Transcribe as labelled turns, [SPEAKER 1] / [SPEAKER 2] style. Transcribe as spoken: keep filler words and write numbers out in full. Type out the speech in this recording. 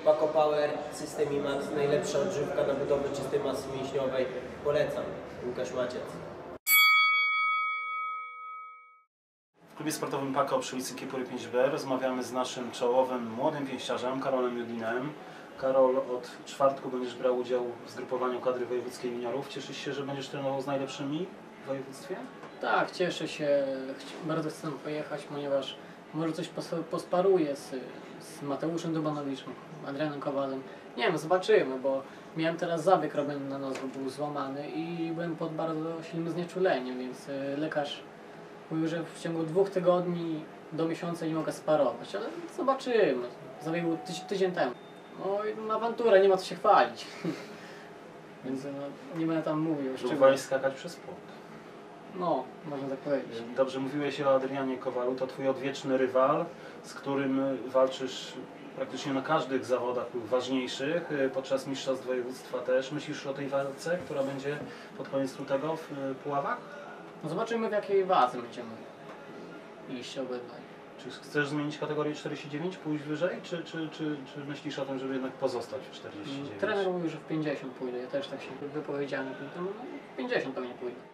[SPEAKER 1] Paco Power, System IMAX, najlepsza odżywka na budowę czystej masy mięśniowej. Polecam. Łukasz Maciec.
[SPEAKER 2] W klubie sportowym Paco przy ulicy Kiepury pięć B rozmawiamy z naszym czołowym młodym pięściarzem, Karolem Judinem. Karol, od czwartku będziesz brał udział w zgrupowaniu kadry wojewódzkiej juniorów. Cieszysz się, że będziesz trenował z najlepszymi w województwie?
[SPEAKER 3] Tak, cieszę się. Bardzo chcę pojechać, ponieważ może coś posparuję z, z Mateuszem Dubanowiczem, Adrianem Kowalem. Nie wiem, zobaczymy, bo miałem teraz zabieg robiony na nos, bo był złamany i byłem pod bardzo silnym znieczuleniem, więc lekarz mówił, że w ciągu dwóch tygodni do miesiąca nie mogę sparować, ale zobaczymy. Zabieg był tydzień, tydzień temu. No, awantura, nie ma co się chwalić. Więc no, nie będę tam mówił.
[SPEAKER 2] Próbowałeś skakać przez płot.
[SPEAKER 3] No, można tak powiedzieć.
[SPEAKER 2] Dobrze, mówiłeś o Adrianie Kowalu, to twój odwieczny rywal, z którym walczysz praktycznie na każdych zawodach ważniejszych, podczas mistrzostw województwa też. Myślisz o tej walce, która będzie pod koniec lutego w Puławach?
[SPEAKER 3] No zobaczymy, w jakiej wadze będziemy iść obydwaj.
[SPEAKER 2] Czy chcesz zmienić kategorię czterdzieści dziewięć, pójść wyżej, czy, czy, czy, czy myślisz o tym, żeby jednak pozostać w czterdzieści dziewięć?
[SPEAKER 3] Trener mówił, że w pięćdziesiąt pójdę, ja też tak się wypowiedziałem, w pięćdziesiąt pewnie pójdę.